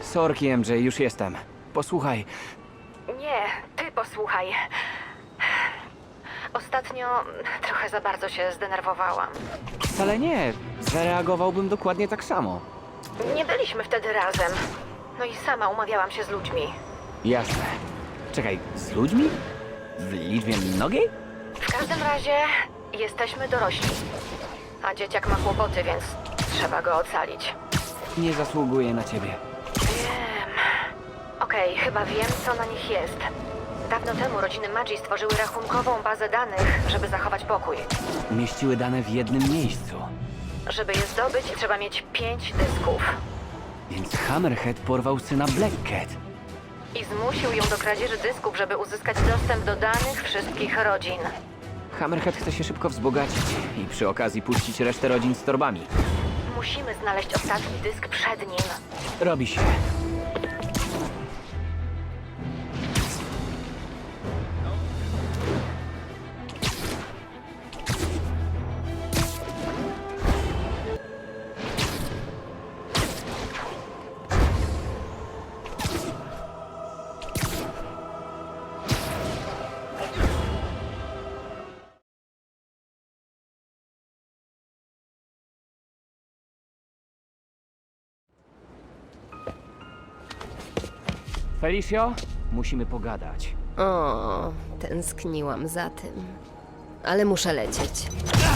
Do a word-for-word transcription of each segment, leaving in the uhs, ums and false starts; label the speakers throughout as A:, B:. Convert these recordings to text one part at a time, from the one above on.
A: Sorki, M J, już jestem. Posłuchaj,
B: Nie, ty posłuchaj. Ostatnio trochę za bardzo się zdenerwowałam.
A: wcale nie. Zareagowałbym dokładnie tak samo.
B: Nie byliśmy wtedy razem. No i sama umawiałam się z ludźmi.
A: Jasne. Czekaj, z ludźmi? W liczbie mnogiej?
B: W każdym razie jesteśmy dorośli. A dzieciak ma kłopoty, więc trzeba go ocalić.
A: Nie zasługuje na ciebie.
B: Wiem. Okej, chyba wiem, co na nich jest. Dawno temu rodziny Magii stworzyły rachunkową bazę danych, żeby zachować pokój.
A: Umieściły dane w jednym miejscu.
B: Żeby je zdobyć, trzeba mieć pięć dysków.
A: Więc Hammerhead porwał syna Black Cat.
B: I zmusił ją do kradzieży dysków, żeby uzyskać dostęp do danych wszystkich rodzin.
A: Hammerhead chce się szybko wzbogacić i przy okazji puścić resztę rodzin z torbami.
B: Musimy znaleźć ostatni dysk przed nim.
A: Robi się. Felicio, musimy pogadać.
C: O, tęskniłam za tym. Ale muszę lecieć.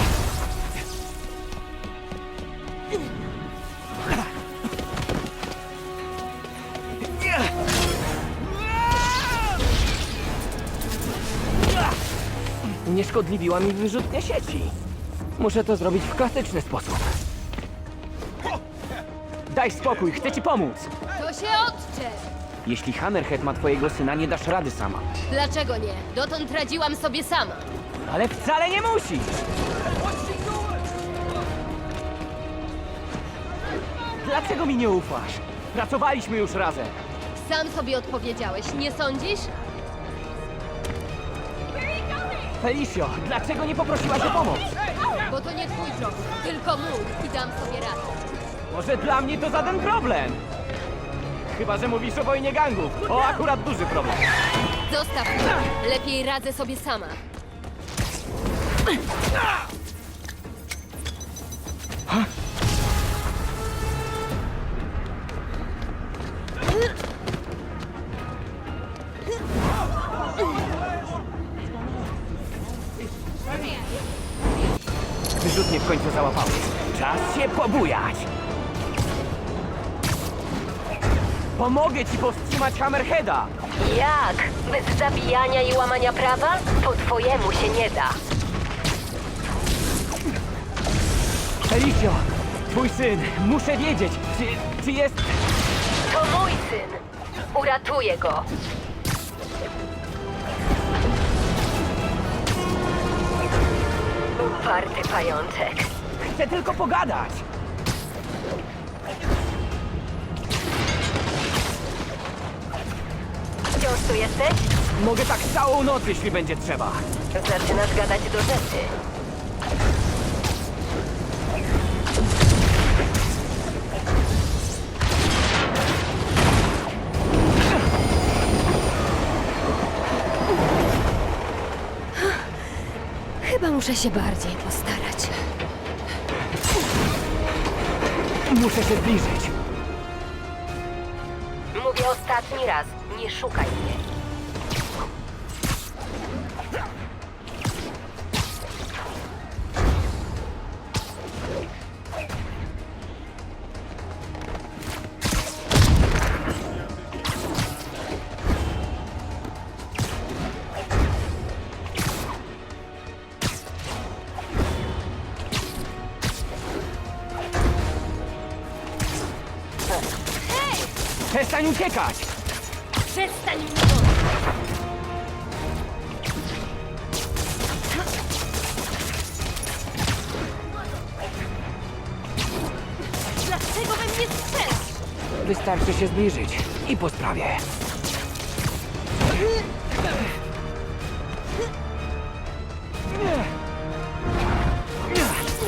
A: Unieszkodliwiła mi wyrzutnia sieci. Muszę to zrobić w klasyczny sposób. Daj spokój, chcę ci pomóc.
C: To się odczep!
A: Jeśli Hammerhead ma twojego syna, nie dasz rady sama.
C: Dlaczego nie? Dotąd radziłam sobie sama.
A: Ale wcale nie musisz! Dlaczego mi nie ufasz? Pracowaliśmy już razem.
C: Sam sobie odpowiedziałeś, nie sądzisz?
A: Felicio, dlaczego nie poprosiłaś o pomoc?
C: Bo to nie twój problem, tylko mój i dam sobie radę.
A: Może dla mnie to żaden problem. Chyba że mówisz o wojnie gangów. O, akurat duży problem.
C: Zostaw mnie. Lepiej radzę sobie sama.
A: Wyrzutnie w końcu załapały. Czas się pobujać. Pomogę ci powstrzymać Hammerheada.
B: Jak? Bez zabijania i łamania prawa? Po twojemu się nie da.
A: Felicio, twój syn, muszę wiedzieć, czy, czy jest...
B: To mój syn. Uratuję go. Uparty pajączek.
A: Chcę tylko pogadać.
B: Wciąż tu jesteś?
A: Mogę tak całą noc, jeśli będzie trzeba.
B: Zaczynasz gadać do rzeczy.
C: Chyba muszę się bardziej postarać.
A: Muszę się zbliżyć.
B: Mówię ostatni raz. Nie szukaj mnie.
A: Przestań uciekać!
C: Przestań mnie gonić! Dlaczego we mnie strzelasz?
A: Wystarczy się zbliżyć i po sprawie.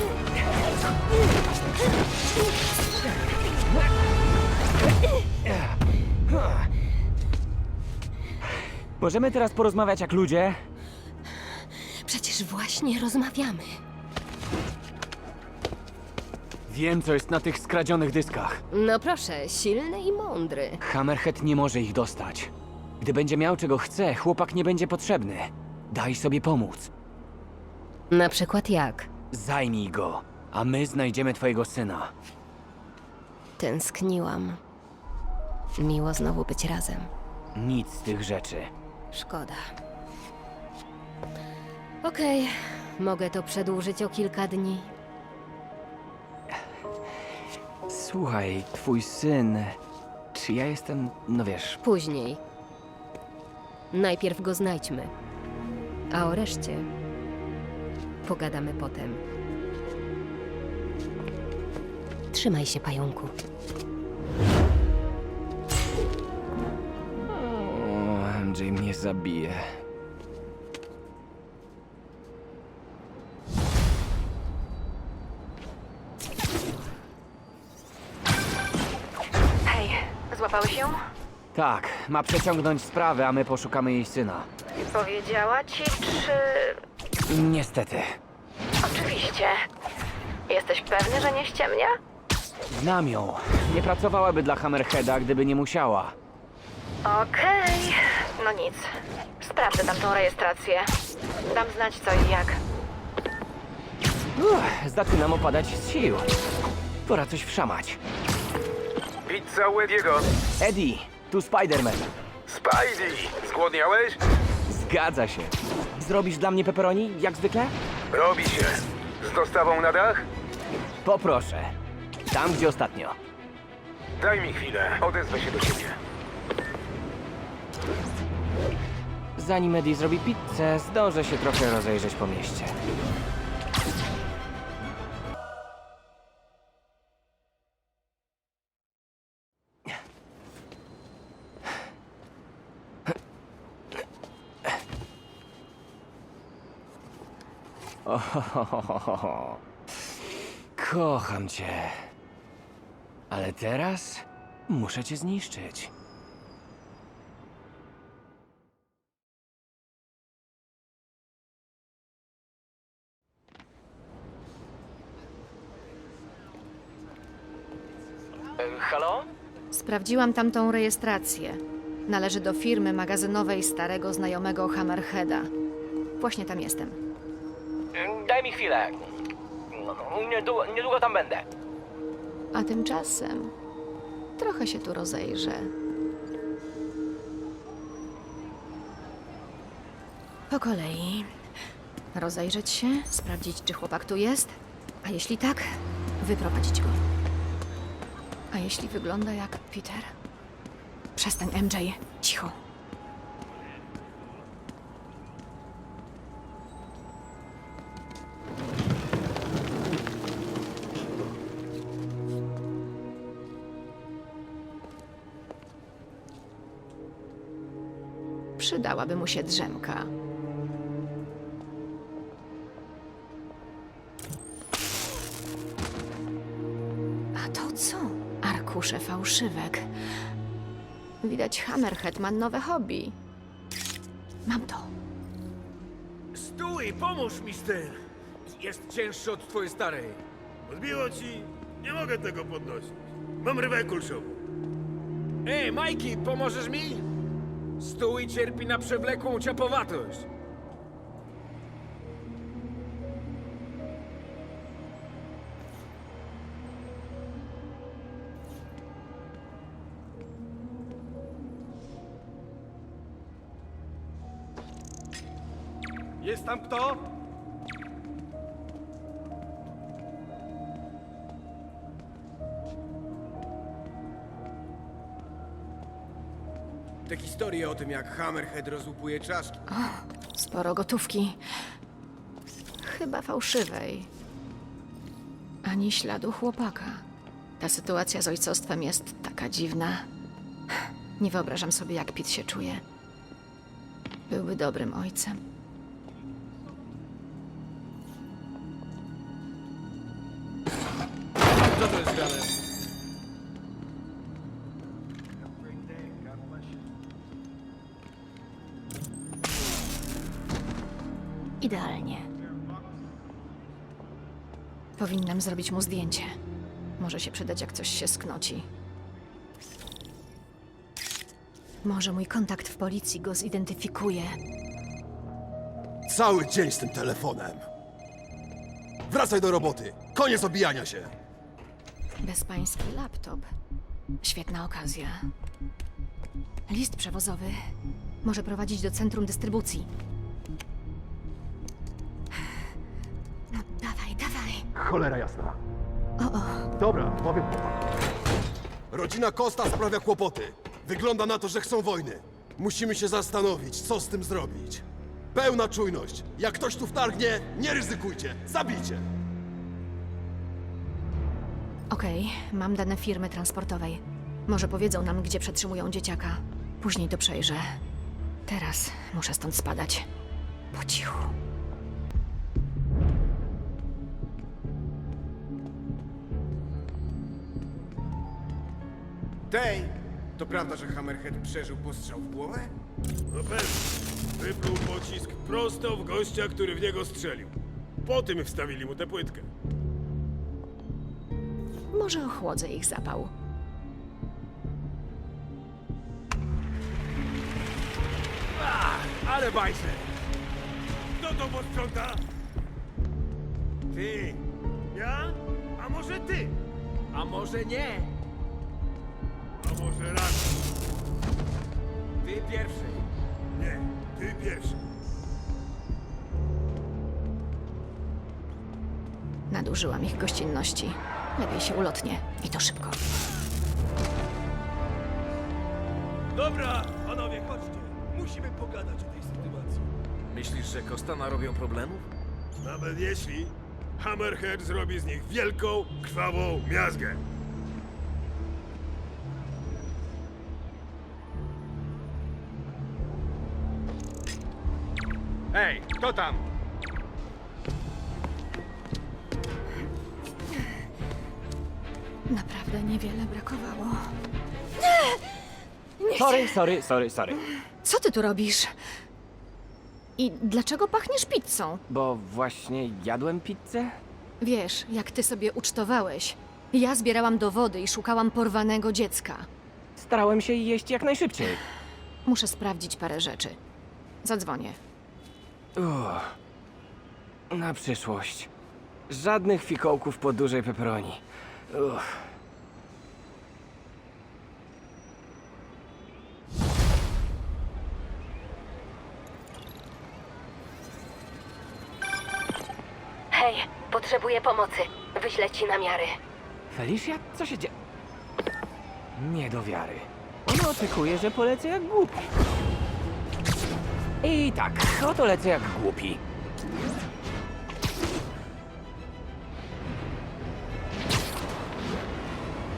A: Yeah. Możemy teraz porozmawiać jak ludzie?
C: Przecież właśnie rozmawiamy.
A: Wiem, co jest na tych skradzionych dyskach.
C: No proszę, silny i mądry.
A: Hammerhead nie może ich dostać. Gdy będzie miał czego chce, chłopak nie będzie potrzebny. Daj sobie pomóc.
C: Na przykład jak?
A: Zajmij go, a my znajdziemy twojego syna.
C: Tęskniłam. Miło znowu być razem.
A: Nic z tych rzeczy.
C: Szkoda. Okej, mogę to przedłużyć o kilka dni.
A: Słuchaj, twój syn... Czy ja jestem... No wiesz...
C: Później. Najpierw go znajdźmy. A o reszcie pogadamy potem. Trzymaj się, pająku.
A: O, M J mnie zabije.
B: Hej, złapałeś ją?
A: Tak, ma przeciągnąć sprawę, a my poszukamy jej syna.
B: Powiedziała ci, czy...
A: Niestety.
B: Oczywiście. Jesteś pewny, że nie ściemnia?
A: Znam ją. Nie pracowałaby dla Hammerheada, gdyby nie musiała.
B: Okej. No nic. Sprawdzę tamtą rejestrację. Dam znać co i jak.
A: Uff, zaczynam opadać z sił. Pora coś wszamać.
D: Pizza u Ediego.
A: Eddie, tu Spider-Man.
D: Spidey! Zgłodniałeś?
A: Zgadza się. Zrobisz dla mnie pepperoni, jak zwykle?
D: Robi się. Z dostawą na dach?
A: Poproszę. Tam, gdzie ostatnio.
D: Daj mi chwilę. Odezwę się do ciebie.
A: Zanim Eddie zrobi pizzę, zdążę się trochę rozejrzeć po mieście. Ohohoho. Kocham cię. Ale teraz muszę cię zniszczyć. Halo?
E: Sprawdziłam tamtą rejestrację. Należy do firmy magazynowej starego znajomego Hammerheada. Właśnie tam jestem.
A: Daj mi chwilę. Niedługo, niedługo tam będę.
E: A tymczasem trochę się tu rozejrzę. Po kolei. Rozejrzeć się, sprawdzić, czy chłopak tu jest, a jeśli tak, wyprowadzić go. A jeśli wygląda jak Peter? Przestań, M J. Cicho. Przydałaby mu się drzemka. A to co? Arkusze fałszywek. Widać, Hammerhead ma nowe hobby. Mam to.
F: Stój, pomóż mi z tym! Jest cięższy od twojej starej.
G: Odbiło ci? Nie mogę tego podnosić. Mam rybę kulszową.
F: Ej, Majki, pomożesz mi? Stój cierpi na przewlekłą ciapowatość.
G: Jest tam kto?
F: Te historie o tym, jak Hammerhead rozłupuje czaszki.
E: Sporo gotówki. Chyba fałszywej. Ani śladu chłopaka. Ta sytuacja z ojcostwem jest taka dziwna. Nie wyobrażam sobie, jak Pete się czuje. Byłby dobrym ojcem.
F: Co to jest grane?
E: Idealnie. Powinnam zrobić mu zdjęcie. Może się przydać, jak coś się sknoci. Może mój kontakt w policji go zidentyfikuje.
H: Cały dzień z tym telefonem. Wracaj do roboty. Koniec obijania się.
E: Bezpański laptop. Świetna okazja. List przewozowy może prowadzić do centrum dystrybucji. No dawaj, dawaj.
H: Cholera jasna.
E: O, o.
H: Dobra, powiem chłopak. Rodzina Costa sprawia kłopoty. Wygląda na to, że chcą wojny. Musimy się zastanowić, co z tym zrobić. Pełna czujność. Jak ktoś tu wtargnie, nie ryzykujcie. Zabijcie.
E: Okej, mam dane firmy transportowej. Może powiedzą nam, gdzie przetrzymują dzieciaka. Później to przejrzę. Teraz muszę stąd spadać. Po cichu.
I: Tej, to prawda, że Hammerhead przeżył postrzał w głowę?
G: No pewnie. Wypluł pocisk prosto w gościa, który w niego strzelił. Po tym wstawili mu tę płytkę.
E: Może ochłodzę ich zapał.
F: Ale bajse!
G: Kto to posprząta?
F: Ty!
G: Ja? A może ty?
F: A może nie?
G: A może raz?
F: Ty pierwszy.
G: Nie, ty pierwszy.
E: Nadużyłam ich gościnności. Lepiej się ulotnie. I to szybko.
G: Dobra, panowie, chodźcie. Musimy pogadać o tej sytuacji.
F: Myślisz, że Costa narobią problemów?
G: Nawet jeśli Hammerhead zrobi z nich wielką, krwawą miazgę.
F: Hej, kto tam?
E: Naprawdę niewiele brakowało.
A: Sorry, sorry, sorry, sorry.
E: Co ty tu robisz? I dlaczego pachniesz pizzą?
A: Bo właśnie jadłem pizzę?
E: Wiesz, jak ty sobie ucztowałeś. Ja zbierałam dowody i szukałam porwanego dziecka.
A: Starałem się jeść jak najszybciej.
E: Muszę sprawdzić parę rzeczy. Zadzwonię.
A: Uff. Na przyszłość. Żadnych fikołków po dużej peperoni. Uff.
B: Hej, potrzebuję pomocy. Wyślę ci namiary.
A: Felicia? Co się dzieje? Nie do wiary. Ona oczekuje, że polecę jak głupi. I tak, oto lecę jak głupi.